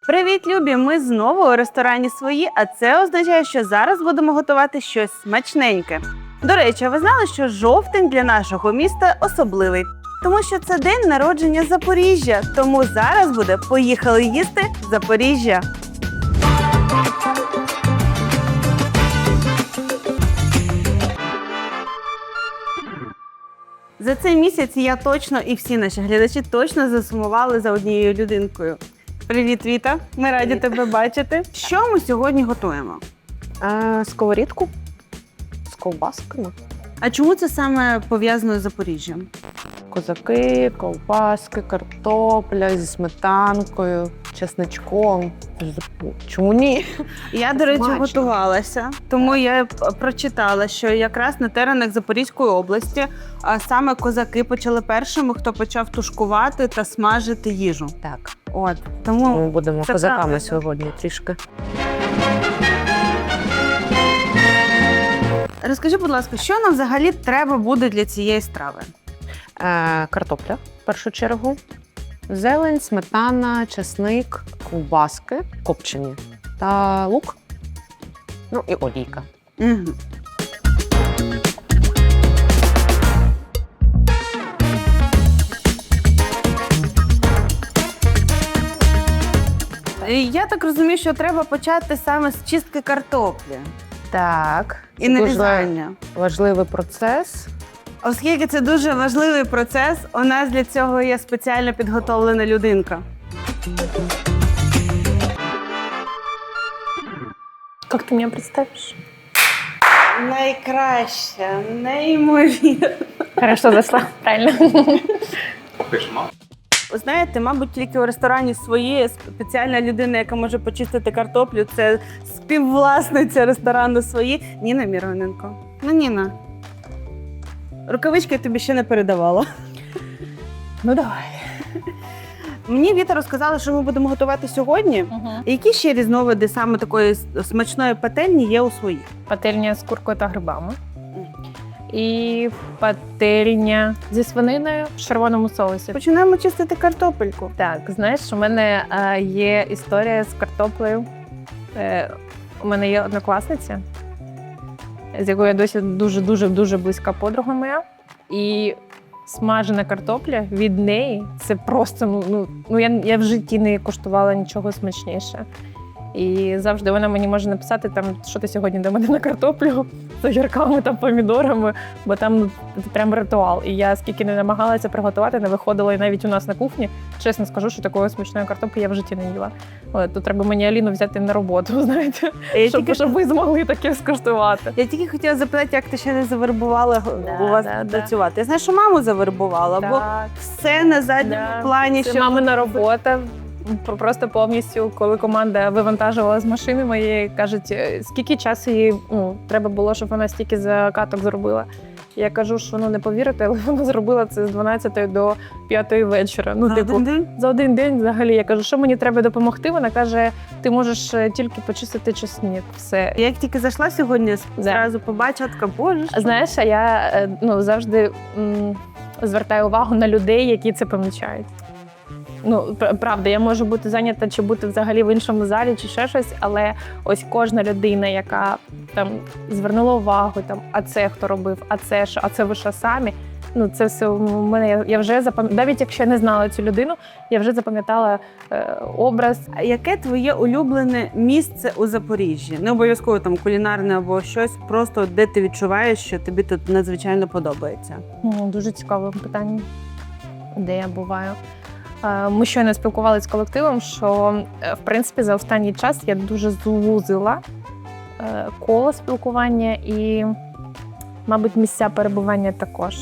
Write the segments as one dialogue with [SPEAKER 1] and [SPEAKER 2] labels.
[SPEAKER 1] Привіт, любі! Ми знову у ресторані «Свої», а це означає, що зараз будемо готувати щось смачненьке. До речі, а ви знали, що жовтень для нашого міста особливий? Тому що це день народження Запоріжжя. Тому зараз буде «Поїхали їсти Запоріжжя». За цей місяць я точно і всі наші глядачі точно засумували за однією людинкою. Привіт, Віта! Ми раді тебе бачити. Що ми сьогодні готуємо?
[SPEAKER 2] Сковорідку з ковбасками.
[SPEAKER 1] А чому це саме пов'язано з Запоріжжям?
[SPEAKER 2] Козаки, ковбаски, картопля зі сметанкою, чесничком. Чому ні?
[SPEAKER 1] Я, до речі,
[SPEAKER 2] Смачно.
[SPEAKER 1] готувалася, тому я прочитала, що якраз на теренах Запорізької області саме козаки почали першими, хто почав тушкувати та смажити їжу.
[SPEAKER 2] Так,
[SPEAKER 1] От, тому
[SPEAKER 2] ми будемо
[SPEAKER 1] це
[SPEAKER 2] козаками
[SPEAKER 1] правильно.
[SPEAKER 2] сьогодні трішки.
[SPEAKER 1] Розкажи, будь ласка, що нам взагалі треба буде для цієї страви?
[SPEAKER 2] Картопля, в першу чергу. Зелень, сметана, чесник, ковбаски копчені та лук. Ну і олійка.
[SPEAKER 1] Угу. Я так розумію, що треба почати саме з чистки картоплі
[SPEAKER 2] Так.
[SPEAKER 1] і нарізання.
[SPEAKER 2] Важливий процес.
[SPEAKER 1] Оскільки це дуже важливий процес, у нас для цього є спеціально підготовлена людинка.
[SPEAKER 3] Как ты меня представишь?
[SPEAKER 1] Найкраща, неймовірна.
[SPEAKER 3] Хорошо зашла, правильно.
[SPEAKER 1] Ви знаєте, мабуть, тільки у ресторані «Свої» спеціальна людина, яка може почистити картоплю, це співвласниця ресторану «Свої» Ніна Міроненко. Ну, Ніна, рукавички я тобі ще не передавала.
[SPEAKER 3] Ну давай.
[SPEAKER 1] Мені Віта розказала, що ми будемо готувати сьогодні. Які ще різновиди саме такої смачної пательні є у «Своїх»?
[SPEAKER 3] Пательня з куркою та грибами. І пательня зі свининою в червоному соусі.
[SPEAKER 1] Починаємо чистити картопельку.
[SPEAKER 3] Так, знаєш, у мене є історія з картоплею. У мене є однокласниця, з якою я досі дуже близька подруга моя. І смажена картопля від неї – це просто, я в житті не куштувала нічого смачніше. І завжди вона мені може написати, там, що ти сьогодні до мене на картоплю з огірками та помідорами, бо там прям ритуал. І я скільки не намагалася приготувати, не виходила і навіть у нас на кухні. Чесно скажу, що такої смачної картоплі я в житті не їла. Тут треба мені Аліну взяти на роботу, знаєте, щоб ви змогли таке скуштувати.
[SPEAKER 1] Я тільки хотіла запитати, як ти ще не завербувала у вас
[SPEAKER 3] да.
[SPEAKER 1] працювати. Я знаю, що маму завербувала, бо
[SPEAKER 3] Так,
[SPEAKER 1] все на задньому плані.
[SPEAKER 3] це мамина робота. Просто повністю, коли команда вивантажувала з машини моєї, кажуть, скільки часу їй треба було, щоб вона стільки закаток зробила. Я кажу, що не повірите, але вона зробила це з 12 до 5 вечора. За один день взагалі. Я кажу, що мені треба допомогти? Вона каже, ти можеш тільки почистити чесник. Все.
[SPEAKER 1] Як тільки зайшла сьогодні, зразу побачила, така, боже.
[SPEAKER 3] Знаєш, а я завжди звертаю увагу на людей, які це помічають. Правда, я можу бути зайнята чи бути взагалі в іншому залі, чи ще щось, але ось кожна людина, яка там звернула увагу, а це хто робив, а це що, а це ви що самі, це все у мене, я вже запам'ятала, навіть якщо я не знала цю людину, я вже запам'ятала образ.
[SPEAKER 1] А яке твоє улюблене місце у Запоріжжі? Не обов'язково там кулінарне або щось, просто де ти відчуваєш, що тобі тут надзвичайно подобається?
[SPEAKER 3] Дуже цікаве питання, де я буваю. Ми щойно спілкувалися з колективом, що, в принципі, за останній час я дуже звузила коло спілкування і, мабуть, місця перебування також.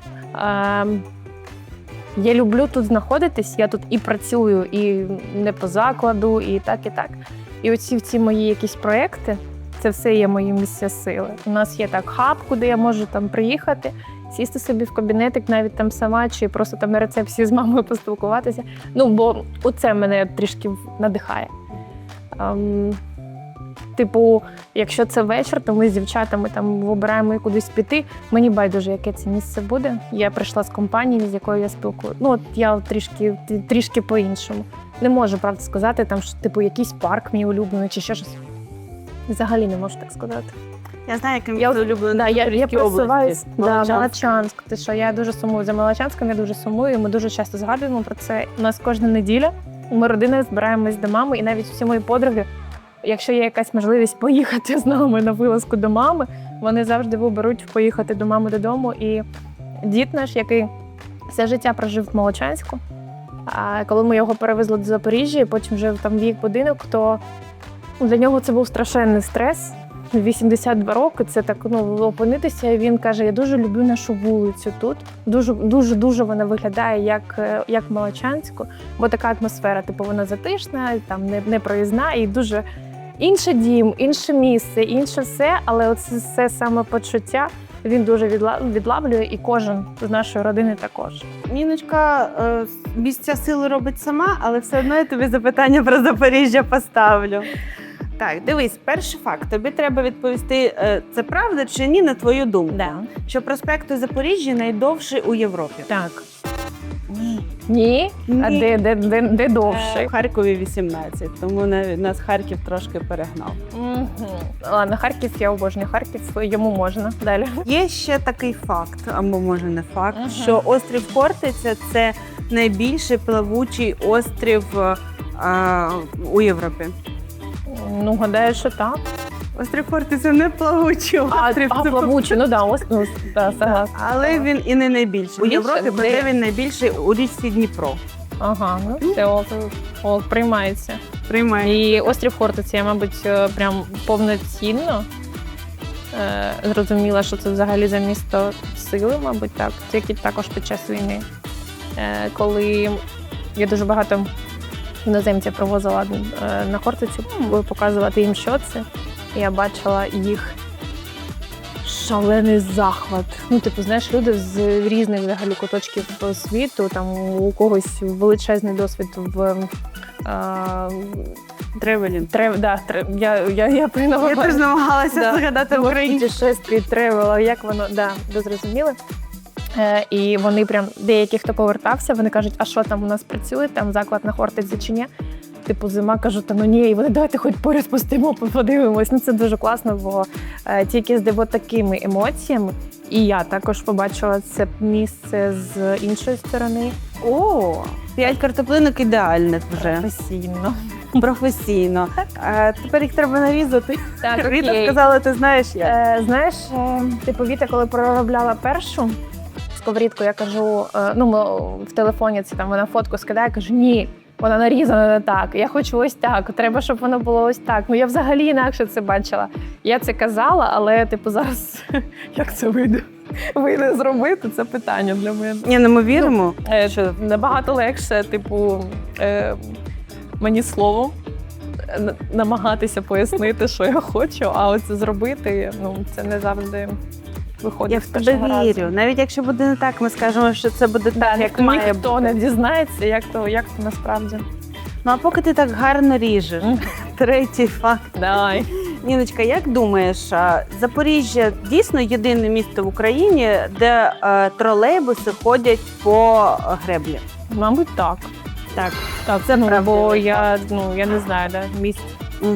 [SPEAKER 3] Я люблю тут знаходитись, я тут і працюю, і не по закладу, і так, і так. І оці мої якісь проекти, це все є мої місця сили. У нас є хаб, куди я можу приїхати, сісти собі в кабінетик, навіть там сама, чи просто там на рецепції з мамою поспілкуватися. Бо оце мене трішки надихає. Типу, якщо це вечір, то ми з дівчатами там вибираємо кудись піти. Мені байдуже, яке це місце буде. Я прийшла з компанії, з якою я спілкую. Ну, от я трішки по-іншому. Не можу, правда, сказати, там, що типу якийсь парк мій улюблений чи ще щось. Взагалі не можу так сказати.
[SPEAKER 1] Я знаю, яким
[SPEAKER 3] Я
[SPEAKER 1] ти улюблений
[SPEAKER 3] я просуваюсь.
[SPEAKER 1] Молочанськ.
[SPEAKER 3] Молочанськ. Ти що, я дуже сумую за Молочанськом, я дуже сумую. І ми дуже часто згадуємо про це. У нас кожна неділя ми родиною збираємось до мами, і навіть всі мої подруги, якщо є якась можливість поїхати з нами на вилазку до мами, вони завжди виберуть поїхати до мами додому. І дід наш, який все життя прожив в Молочанську, а коли ми його перевезли до Запоріжжя і потім жив там в їх будинок, то для нього це був страшенний стрес. 82 роки, це так, опинитися, і він каже, я дуже люблю нашу вулицю тут. Дуже вона виглядає як Молочанську, бо така атмосфера, типу, вона затишна, там не проїзна, і дуже інший дім, інше місце, інше все, але оце все самопочуття він дуже відлавлює, і кожен з нашої родини також.
[SPEAKER 1] Ніночка місця сили робить сама, але все одно я тобі запитання про Запоріжжя поставлю. Так, дивись, перший факт. Тобі треба відповісти, це правда чи ні, на твою думку.
[SPEAKER 3] Да.
[SPEAKER 1] Що проспект у Запоріжжі найдовший у Європі.
[SPEAKER 3] Так.
[SPEAKER 1] Ні.
[SPEAKER 3] Ні? А
[SPEAKER 1] Ні.
[SPEAKER 3] де довше?
[SPEAKER 1] В Харкові 18, тому нас Харків трошки перегнав.
[SPEAKER 3] Ладно, Харків, я обожнюю Харків, йому можна. Далі.
[SPEAKER 1] Є ще такий факт, або може не факт,
[SPEAKER 3] Ага.
[SPEAKER 1] що острів Хортиця – це найбільший плавучий острів у Європі.
[SPEAKER 3] Ну, гадаю, що так.
[SPEAKER 1] Острів Хортиця не плавучий острів. це
[SPEAKER 3] плавучий, согласна.
[SPEAKER 1] Але він і не найбільший. У
[SPEAKER 3] Більше?
[SPEAKER 1] Європі,
[SPEAKER 3] Де?
[SPEAKER 1] проте він найбільший у річці Дніпро.
[SPEAKER 3] Ага, ну все, приймається.
[SPEAKER 1] Приймає.
[SPEAKER 3] І острів Хортиця, я, мабуть, прям повноцінно зрозуміла, що це взагалі за місто сили, мабуть, так. Тільки також під час війни. Коли я дуже багато іноземців привозила на Хортицю, показувати їм, що це. Я бачила їх шалений захват. Ну, типу, знаєш, люди з різних взагалі куточків світу, там у когось величезний досвід в
[SPEAKER 1] Тревелінг.
[SPEAKER 3] Я
[SPEAKER 1] Я теж намагалася згадати українську.
[SPEAKER 3] путешестві, тревела, як воно, ви зрозуміли. І вони прям, деякі, хто повертався, вони кажуть, а що там у нас працює, там заклад на Хортиці чи ні? Типу, зима, кажу, та ну ні, і вони, давайте хоч поряд спустимо, подивимось. Ну це дуже класно, бо тільки з такими емоціями. І я також побачила це місце з іншої сторони.
[SPEAKER 1] О, 5 картоплинок ідеальних вже.
[SPEAKER 3] Професійно.
[SPEAKER 1] Професійно. Тепер їх треба нарізати.
[SPEAKER 3] Так,
[SPEAKER 1] Віта
[SPEAKER 3] окей.
[SPEAKER 1] сказала, ти знаєш як.
[SPEAKER 3] Знаєш, типу, Віта, коли проробляла першу сковорідку, я кажу, в телефоні це там вона фотку скидає, кажу, ні, вона нарізана не так, я хочу ось так, треба, щоб воно було ось так. Ну, я взагалі інакше це бачила. Я це казала, але, типу, зараз, як це вийде зробити, це питання для мене.
[SPEAKER 1] Ні, ну ми віримо.
[SPEAKER 3] Що набагато легше, типу, мені словом намагатися пояснити, що я хочу, а оце зробити, це не завжди виходить.
[SPEAKER 1] Я в
[SPEAKER 3] з
[SPEAKER 1] тебе
[SPEAKER 3] першого разу.
[SPEAKER 1] вірю. Навіть якщо буде не так, ми скажемо, що це буде так, як має
[SPEAKER 3] Ніхто
[SPEAKER 1] бути.
[SPEAKER 3] не дізнається, як то насправді.
[SPEAKER 1] Ну а поки ти так гарно ріжеш. Третій факт.
[SPEAKER 3] Давай.
[SPEAKER 1] Ніночка, як думаєш, Запоріжжя дійсно єдине місто в Україні, де тролейбуси ходять по греблі?
[SPEAKER 3] Мабуть, так.
[SPEAKER 1] Так.
[SPEAKER 3] Так,
[SPEAKER 1] Це правда.
[SPEAKER 3] бо я не знаю, місць.
[SPEAKER 1] Угу.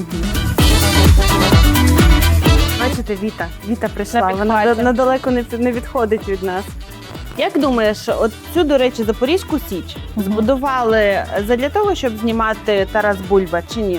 [SPEAKER 1] Бачите, Віта прийшла,
[SPEAKER 3] На
[SPEAKER 1] вона
[SPEAKER 3] підхваті.
[SPEAKER 1] надалеко не відходить від нас. Як думаєш, от цю, до речі, Запорізьку Січ збудували задля того, щоб знімати Тарас Бульба, чи ні?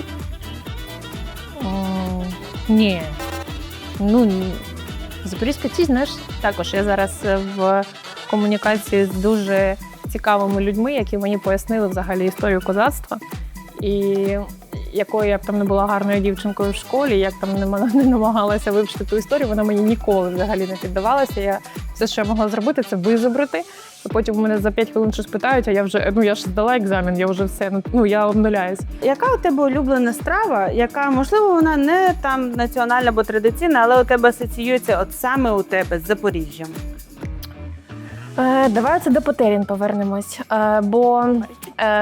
[SPEAKER 3] Ні. Ні. Запорізька Січ, знаєш, також я зараз в комунікації з дуже цікавими людьми, які мені пояснили взагалі історію козацтва. І якою я б там не була гарною дівчинкою в школі, як там не намагалася вивчити ту історію, вона мені ніколи взагалі не піддавалася. Все, що я могла зробити, це визобрати. І потім у мене за 5 хвилин щось питають, а я вже, я ж здала екзамен, я вже все, я обнуляюсь.
[SPEAKER 1] Яка у тебе улюблена страва, яка, можливо, вона не там національна або традиційна, але у тебе асоціюється от саме у тебе з Запоріжжям?
[SPEAKER 3] Давай це до Потерін повернемось, бо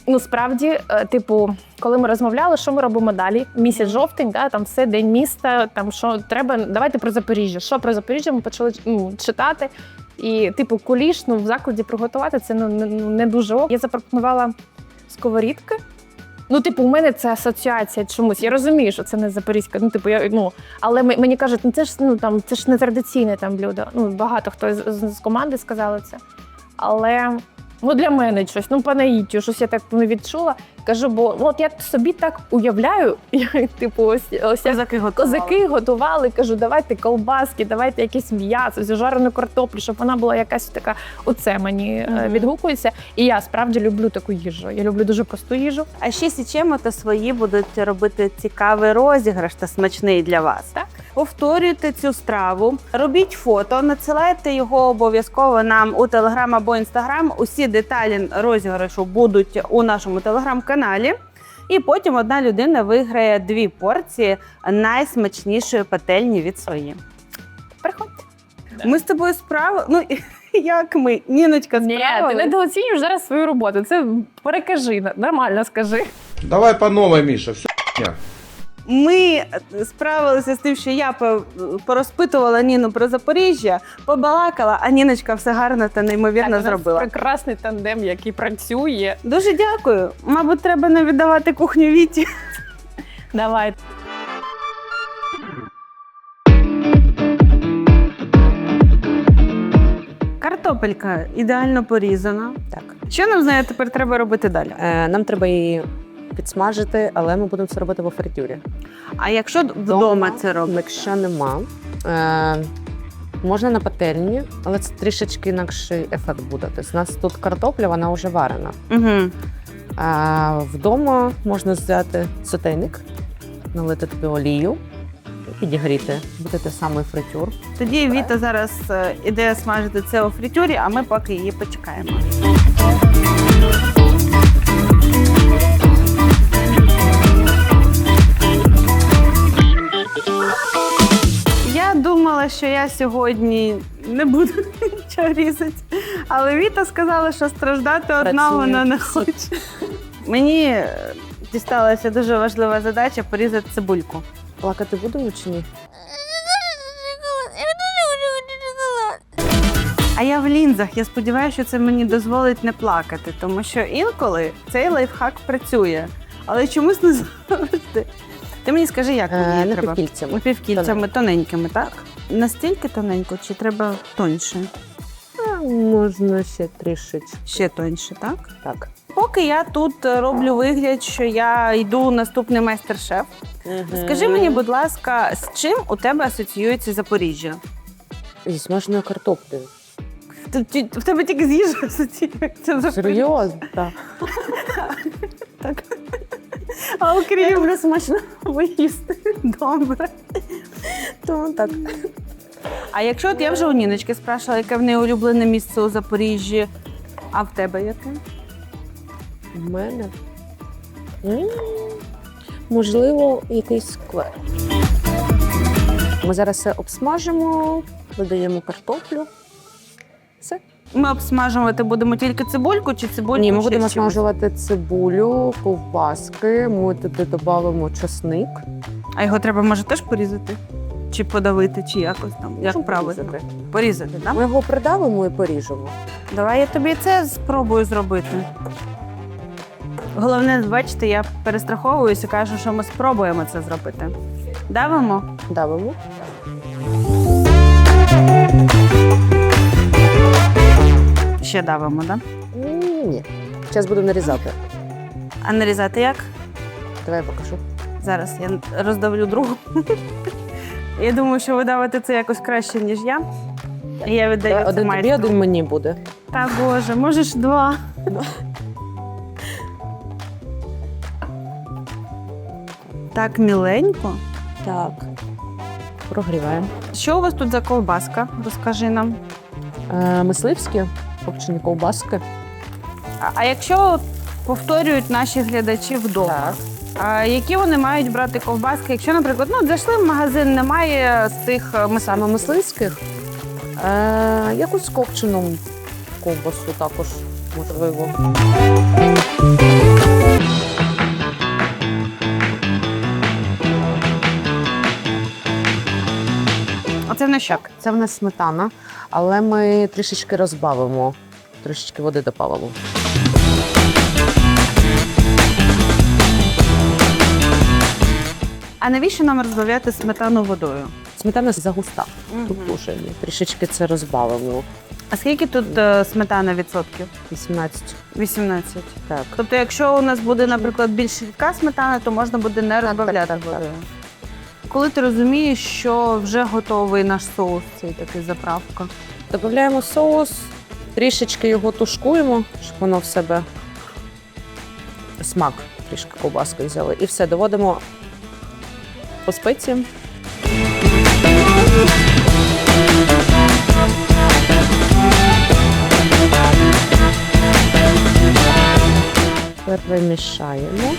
[SPEAKER 3] Ну, справді, типу, коли ми розмовляли, що ми робимо далі? Місяць жовтень, да, там все, день міста, там що треба, давайте про Запоріжжя. Що про Запоріжжя ми почали читати. І, типу, куліш в закладі приготувати це не дуже ок. Я запропонувала сковорідки. Ну, типу, у мене це асоціація чомусь. Я розумію, що це не запорізька. Ну, типу, але мені кажуть, це ж це ж не традиційне там блюдо. Ну, багато хто з команди сказали це. Але для мене щось, по наїттю, щось я так не відчула. Кажу, бо от я собі так уявляю, типу, ось козаки готували. Кажу, давайте колбаски, давайте якесь м'ясо, жарену картоплю, щоб вона була якась така. Оце мені відгукується. І я справді люблю таку їжу. Я люблю дуже просту їжу.
[SPEAKER 1] А ще Січемо та свої будуть робити цікавий розіграш та смачний для вас.
[SPEAKER 3] Так.
[SPEAKER 1] Повторюйте цю страву, робіть фото, надсилайте його обов'язково нам у Телеграм або Інстаграм. Усі деталі розіграшу будуть у нашому Телеграм-каналі. І потім одна людина виграє 2 порції найсмачнішої пательні від свої.
[SPEAKER 3] Приходьте.
[SPEAKER 1] Ми з тобою як ми? Ніночка справилась.
[SPEAKER 3] Ні, ти недооцінюєш зараз свою роботу. Це перекажи, нормально скажи.
[SPEAKER 4] Давай по новой, Миша, все хуйня.
[SPEAKER 1] Ми справилися з тим, що я порозпитувала Ніну про Запоріжжя, побалакала, а Ніночка все гарно та неймовірно зробила.
[SPEAKER 3] Прекрасний тандем, який працює.
[SPEAKER 1] Дуже дякую. Мабуть, треба не віддавати кухню Віті.
[SPEAKER 3] Давай.
[SPEAKER 1] Картопелька ідеально порізана.
[SPEAKER 2] Так.
[SPEAKER 1] Що нам з нею тепер треба робити далі?
[SPEAKER 2] Нам треба її підсмажити, але ми будемо це робити в фритюрі.
[SPEAKER 1] А якщо вдома це робити?
[SPEAKER 2] Якщо нема, можна на пательні, але це трішечки інакший ефект буде. Тобто у нас тут картопля, вона вже варена.
[SPEAKER 1] Угу.
[SPEAKER 2] А вдома можна взяти сотейник, налити туди олію, підігріти. Буде те самий фритюр.
[SPEAKER 1] Тоді Віта зараз іде смажити це у фритюрі, а ми поки її почекаємо. Я думала, що я сьогодні не буду нічого різати, але Віта сказала, що страждати одна вона не хоче. Мені дісталася дуже важлива задача порізати цибульку.
[SPEAKER 2] Плакати будемо чи ні?
[SPEAKER 1] А я в лінзах. Я сподіваюся, що це мені дозволить не плакати, тому що інколи цей лайфхак працює, але чомусь не завжди. Ти мені скажи, як мені треба?
[SPEAKER 2] Напівкільцями.
[SPEAKER 1] Напівкільцями, тоненькими, так? Настільки тоненько чи треба тоньше?
[SPEAKER 2] Можна ще трішечки.
[SPEAKER 1] Ще тоньше, так?
[SPEAKER 2] Так.
[SPEAKER 1] Поки я тут роблю вигляд, що я йду у наступний майстер-шеф. Скажи мені, будь ласка, з чим у тебе асоціюється Запоріжжя?
[SPEAKER 2] Зі смаженою картоплею.
[SPEAKER 1] В тебе тільки з їжею асоціюється Запоріжжя?
[SPEAKER 2] Серйозно? Так.
[SPEAKER 1] Так. А окрім смачно поїсти. Добре.
[SPEAKER 2] То так.
[SPEAKER 1] А якщо от я вже у Ніночки спрашивала, яке в неї улюблене місце у Запоріжжі, а в тебе яке?
[SPEAKER 2] У мене? Можливо, якийсь сквер. Ми зараз все обсмажимо, додаємо картоплю. Все.
[SPEAKER 1] Ми обсмажувати будемо тільки цибульку чи цибульку?
[SPEAKER 2] Ні, ми
[SPEAKER 1] ще
[SPEAKER 2] будемо
[SPEAKER 1] з чимось?
[SPEAKER 2] смажувати цибулю, ковбаски, ми туди додамо часник.
[SPEAKER 1] А його треба, може, теж порізати? Чи подавити, чи якось там? Як правильно? Порізати, так?
[SPEAKER 2] Ми його придавимо і поріжемо.
[SPEAKER 1] Давай я тобі це спробую зробити. Головне, бачите, я перестраховуюся, кажу, що ми спробуємо це зробити. Давимо?
[SPEAKER 2] Давимо.
[SPEAKER 1] Ще давимо, так?
[SPEAKER 2] Ні. Зараз будемо нарізати.
[SPEAKER 1] А нарізати як?
[SPEAKER 2] Давай я покажу.
[SPEAKER 1] Зараз я роздавлю другу. Я думаю, що ви давите це якось краще, ніж я. Я віддаю це
[SPEAKER 2] Один тобі,
[SPEAKER 1] майстру.
[SPEAKER 2] один мені буде.
[SPEAKER 1] Та Боже, можеш 2. Так, міленько.
[SPEAKER 2] Так. Прогріваємо.
[SPEAKER 1] Що у вас тут за ковбаска? Розкажи нам.
[SPEAKER 2] Мисливські, копчені ковбаски.
[SPEAKER 1] А якщо повторюють наші глядачі вдома,
[SPEAKER 2] Так.
[SPEAKER 1] а які вони мають брати ковбаски? Якщо, наприклад, зайшли в магазин, немає цих
[SPEAKER 2] Саме мисливських. Якусь копчену ковбасу також можливо.
[SPEAKER 1] що?
[SPEAKER 2] Так, це в нас сметана, але ми трішечки розбавимо, трішечки води добавимо.
[SPEAKER 1] А навіщо нам розбавляти сметану водою?
[SPEAKER 2] Сметана загуста.
[SPEAKER 1] Мгм.
[SPEAKER 2] Тут дуже трішечки це розбавимо.
[SPEAKER 1] А скільки тут сметана відсотків?
[SPEAKER 2] 18.
[SPEAKER 1] 18.
[SPEAKER 2] Так.
[SPEAKER 1] Тобто, якщо у нас буде, наприклад, більш рідка сметана, то можна буде не розбавляти
[SPEAKER 2] так, так.
[SPEAKER 1] водою. Коли ти розумієш, що вже готовий наш соус, цей такий заправка.
[SPEAKER 2] Додаємо соус, трішечки його тушкуємо, щоб воно в себе смак трішки ковбаскою взяли. І все, доводимо по спеціям. Перемішаємо.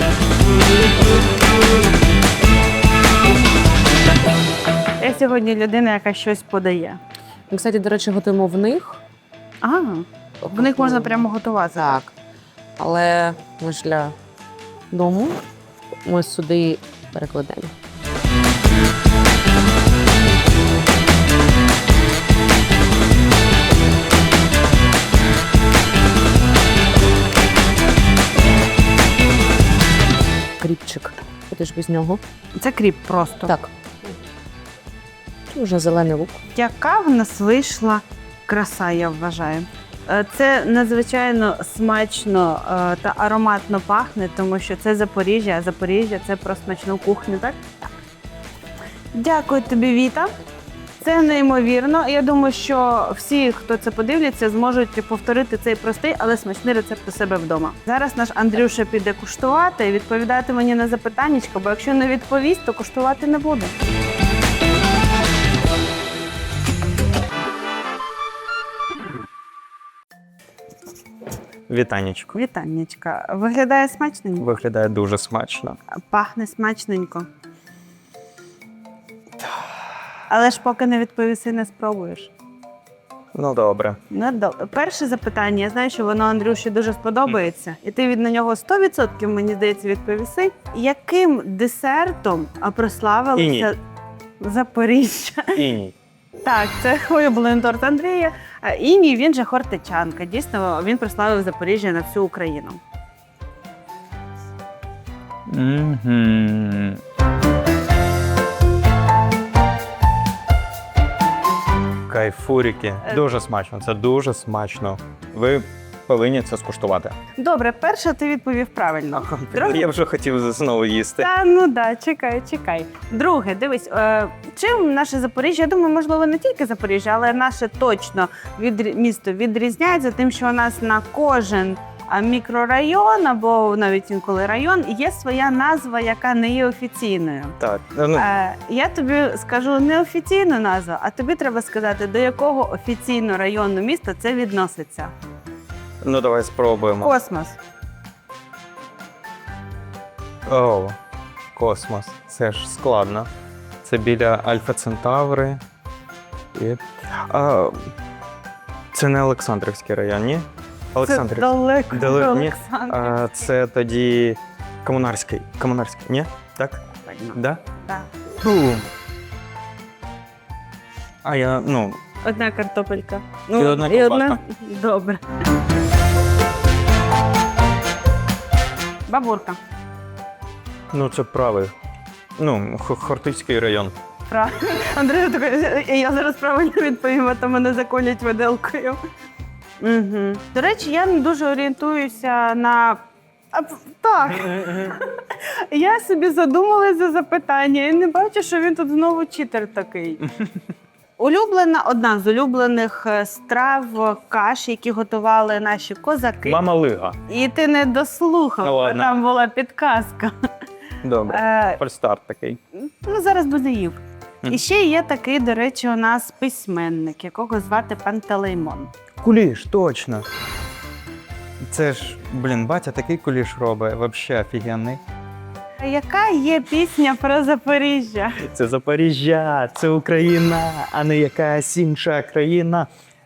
[SPEAKER 1] Я сьогодні людина, яка щось подає.
[SPEAKER 2] Ми, кстати, до речі, готуємо в них.
[SPEAKER 1] В них можна прямо готувати.
[SPEAKER 2] Так. Але ми ж для дому ми сюди перекладемо. Кріпчик. Куди ж без нього?
[SPEAKER 1] Це кріп просто.
[SPEAKER 2] Так. Тут вже зелений лук.
[SPEAKER 1] Яка в нас вийшла краса, я вважаю. Це надзвичайно смачно та ароматно пахне, тому що це Запоріжжя, а Запоріжжя – це про смачну кухню, так? Так. Дякую тобі, Віта. Це неймовірно. Я думаю, що всі, хто це подивляться, зможуть повторити цей простий, але смачний рецепт у себе вдома. Зараз наш Андрюша піде куштувати і відповідати мені на запитаннячко, бо якщо не відповість, то куштувати не буде.
[SPEAKER 5] Вітанечко.
[SPEAKER 1] Вітаннячка. Виглядає смачненько?
[SPEAKER 5] Виглядає дуже смачно.
[SPEAKER 1] Пахне смачненько. Але ж поки не відповіси, не спробуєш.
[SPEAKER 5] Ну добре.
[SPEAKER 1] Перше запитання, я знаю, що воно Андрюші дуже сподобається, і ти на нього 100%, мені здається, відповіси. Яким десертом прославилося
[SPEAKER 5] Іній.
[SPEAKER 1] Запоріжжя?
[SPEAKER 5] Іній.
[SPEAKER 1] Так, це улюблений торт Андрія. Іній, він же хортичанка. Дійсно, він прославив Запоріжжя на всю Україну.
[SPEAKER 5] Мгм. Кайфурики. Дуже смачно. Це дуже смачно. Ви повинні це скуштувати.
[SPEAKER 1] Добре, перше ти відповів правильно. Друге-
[SPEAKER 5] Я вже хотів знову їсти.
[SPEAKER 1] Та ну да, чекай. Друге, дивись, чим наше Запоріжжя, я думаю, можливо, не тільки Запоріжжя, але наше точно місто відрізняється тим, що у нас на кожен мікрорайон або навіть інколи район є своя назва, яка не є офіційною.
[SPEAKER 5] Так. Ну,
[SPEAKER 1] Я тобі скажу не офіційну назву, а тобі треба сказати, до якого офіційного району міста це відноситься.
[SPEAKER 5] ну давай спробуємо.
[SPEAKER 1] Космос.
[SPEAKER 5] О, космос. Це ж складно. Це біля Альфа Центаври. І... Це не Олександрівський район, ні?
[SPEAKER 1] Це
[SPEAKER 5] Олександрівський.
[SPEAKER 1] далеко,
[SPEAKER 5] Ні?
[SPEAKER 1] Олександр.
[SPEAKER 5] Це тоді Комунарський. Комунарський, ні? Так? Да?
[SPEAKER 1] Так.
[SPEAKER 5] Бум. А я,
[SPEAKER 1] Одна картопелька.
[SPEAKER 5] І одна ковбаска.
[SPEAKER 1] Добре. Бабурка.
[SPEAKER 5] це правий. Хортицький район.
[SPEAKER 1] Правильно. Андрій, я зараз правильно відповім, а то мене заколять виделкою. Угу. До речі, я не дуже орієнтуюся на. Так. Я собі задумалась за запитання і не бачу, що він тут знову читер такий. Одна з улюблених страв каш, які готували наші козаки.
[SPEAKER 5] Мама Лига.
[SPEAKER 1] І ти не дослухав,
[SPEAKER 5] Ну,
[SPEAKER 1] бо
[SPEAKER 5] ладно.
[SPEAKER 1] там була підказка.
[SPEAKER 5] Добре. Фальстарт такий.
[SPEAKER 1] Зараз би не їв.
[SPEAKER 5] Мгм.
[SPEAKER 1] І ще є такий, до речі, у нас письменник, якого звати Пантелеймон.
[SPEAKER 5] Куліш, точно. Це ж, батя такий куліш робить, взагалі офігенний.
[SPEAKER 1] Яка є пісня про Запоріжжя?
[SPEAKER 5] Це Запоріжжя, це Україна, а не якась інша країна.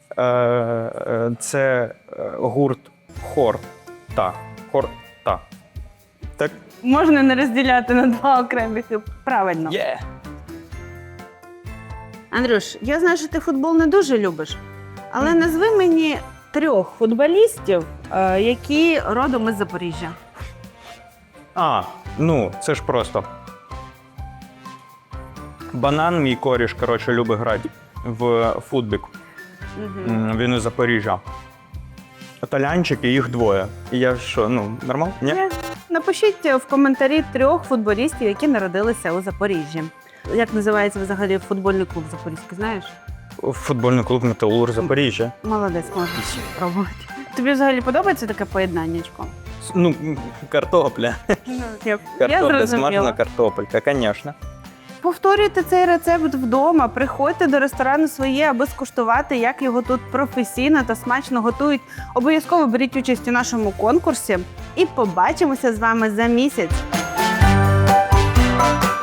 [SPEAKER 5] Це гурт Хорта. Хорта. Так?
[SPEAKER 1] Можна не розділяти на два окремих. Правильно.
[SPEAKER 5] Є!
[SPEAKER 1] Андрюш, я знаю, що ти футбол не дуже любиш, але назви мені 3 футболістів, які родом із Запоріжжя.
[SPEAKER 5] Ну, це ж просто. Банан, мій коріш, коротше, любить грати в футбік. Він із Запоріжжя. Італійчики, їх 2. І я що, нормально? Ні?
[SPEAKER 1] Напишіть в коментарі 3 футболістів, які народилися у Запоріжжі. Як називається взагалі футбольний клуб Запорізький, знаєш?
[SPEAKER 5] Футбольний клуб «Металург» Запоріжжя.
[SPEAKER 1] Молодець, можна спробувати. Тобі взагалі подобається таке поєднаннячко?
[SPEAKER 5] Картопля.
[SPEAKER 1] Я
[SPEAKER 5] Картопля, смажена
[SPEAKER 1] зрозуміла.
[SPEAKER 5] картопелька, звісно.
[SPEAKER 1] Повторюйте цей рецепт вдома, приходьте до ресторану своє, аби скуштувати, як його тут професійно та смачно готують. Обов'язково беріть участь у нашому конкурсі і побачимося з вами за місяць.